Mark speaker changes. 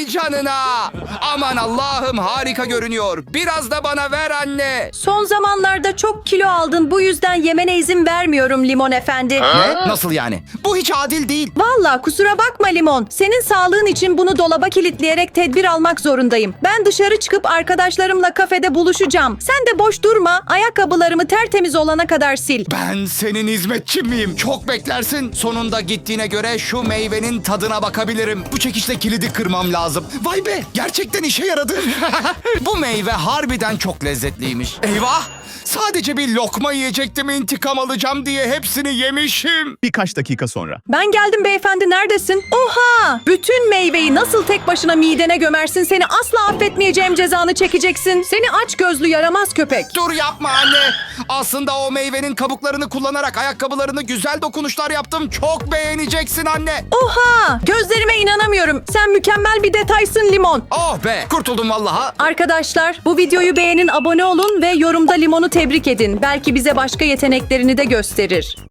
Speaker 1: Vay canına. Aman Allah'ım, harika görünüyor. Biraz da bana ver anne.
Speaker 2: Son zamanlarda çok kilo aldın. Bu yüzden yemene izin vermiyorum Limon Efendi.
Speaker 1: Ne? Nasıl yani? Bu hiç adil değil.
Speaker 2: Vallahi kusura bakma Limon. Senin sağlığın için bunu dolaba kilitleyerek tedbir almak zorundayım. Ben dışarı çıkıp arkadaşlarımla kafede buluşacağım. Sen de boş durma. Ayakkabılarımı tertemiz olana kadar sil.
Speaker 1: Ben senin hizmetçin miyim? Çok beklersin. Sonunda gittiğine göre şu meyvenin tadına bakabilirim. Bu çekişle kilidi kırmam lazım. Vay be, gerçekten işe yaradı. Bu meyve harbiden çok lezzetliymiş. Eyvah! Sadece bir lokma yiyecektim, intikam alacağım diye hepsini yemişim.
Speaker 3: Birkaç dakika sonra.
Speaker 2: Ben geldim beyefendi, neredesin? Oha! Bütün meyveyi nasıl tek başına midene gömersin? Seni asla affetmeyeceğim, cezanı çekeceksin. Seni aç gözlü yaramaz köpek.
Speaker 1: Dur yapma anne. Aslında o meyvenin kabuklarını kullanarak ayakkabılarını güzel dokunuşlar yaptım. Çok beğeneceksin anne.
Speaker 2: Oha! Gözlerime inanamıyorum. Sen mükemmel bir detaysın Limon.
Speaker 1: Oh be, kurtuldum vallaha.
Speaker 2: Arkadaşlar, bu videoyu beğenin, abone olun ve yorumda Limon'u tebrik edin. Belki bize başka yeteneklerini de gösterir.